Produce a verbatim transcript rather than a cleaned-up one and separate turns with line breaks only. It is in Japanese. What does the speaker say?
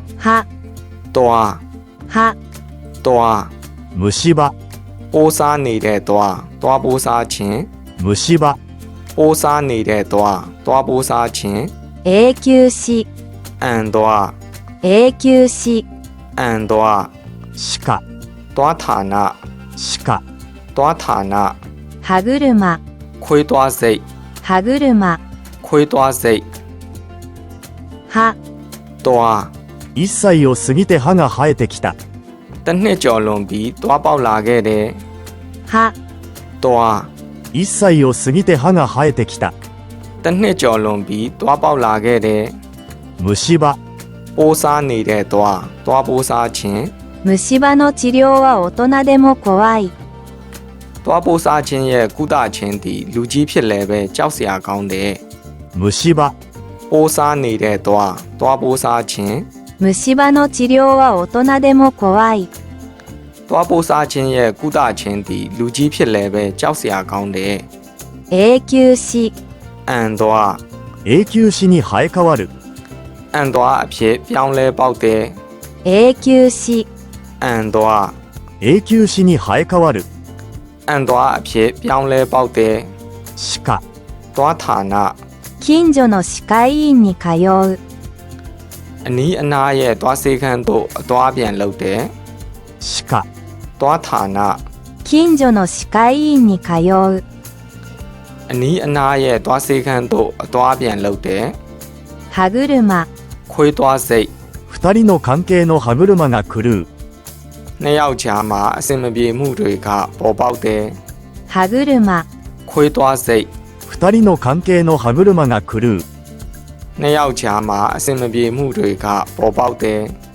は
သွား
は
သွား
虫歯、
ပိုးစားနေတဲ့သွားသွားပိုးစားခြင်း
虫歯、
ပိုးစားနေတဲ့သွားသွားပိုးစားခြင်း
永久歯
အန်သွား
永久歯
အန်သွား
鹿、
သွားဌာန
鹿、
သွားဌာန
歯車
ခွေးသွားစိတ်
歯車
ခွေးသွားစိတ်
は
သွား
いっさいを過ぎて歯が生えてきた。
တစ်နှစ်ကျော်လွန်ပြီးသွားပေါက်လာခဲ့တယ်
は
သွား
いっさいを過ぎて歯が生えてきた。
တစ်နှစ်ကျော်လွန်ပြီးသွားပေါက်လာခဲ့တယ်
虫歯、
ပိုးစားနေတဲ့သွားသွားပိုးစားခြင်း
虫歯の治療は大人でも怖い。
သွားပိုးစားခြင်းရဲ့ကုသခြင်းသည်လူကြီးဖြစ်လည်းပဲကြောက်စရာကောင်းတယ်
虫歯、
ပိုးစားနေတဲ့သွားသွားပိုးစားခြင်း
虫歯の治療は大人でも怖い。
သွားပိုးစားခြင်းရဲ့ကုသခြင်းသည်လူကြီးဖြစ်လည်းပဲကြောက်စရာကောင်းတယ်
永久歯
အန်သွား
永久歯に生え変わる。
အန်သွားအဖြစ်ပြောင်းလဲပေါက်တယ်
永久歯
အန်သွား
永久歯に生え変わる。
အန်သွားအဖြစ်ပြောင်းလဲပေါက်တယ်
鹿、
သွားဌာန
近所の歯科医院に通う。
အနီးအနားရဲ့သွားစေခန်းသို့အသွားပြန်လုပ်တယ်
鹿、
သွားဌာန
近所の歯科医院に通う。
အနီးအနားရဲ့သွားစေခန်းသို့အသွားပြန်လုပ်တယ်
歯車
ခွေးသွားစိတ်
二人の関係の歯車が狂う。
နှစ်ယောက်ကြားမှာအစင်မပြေမှုတွေကပေါ်ပေါက်တယ်
歯車
ခွေးသွားစိတ်
二人の関係の歯車が狂う。
နှစ်ယောက်ကြားမှာအစင်မပြေမှုတွေကပေါ်ပေါက်တယ်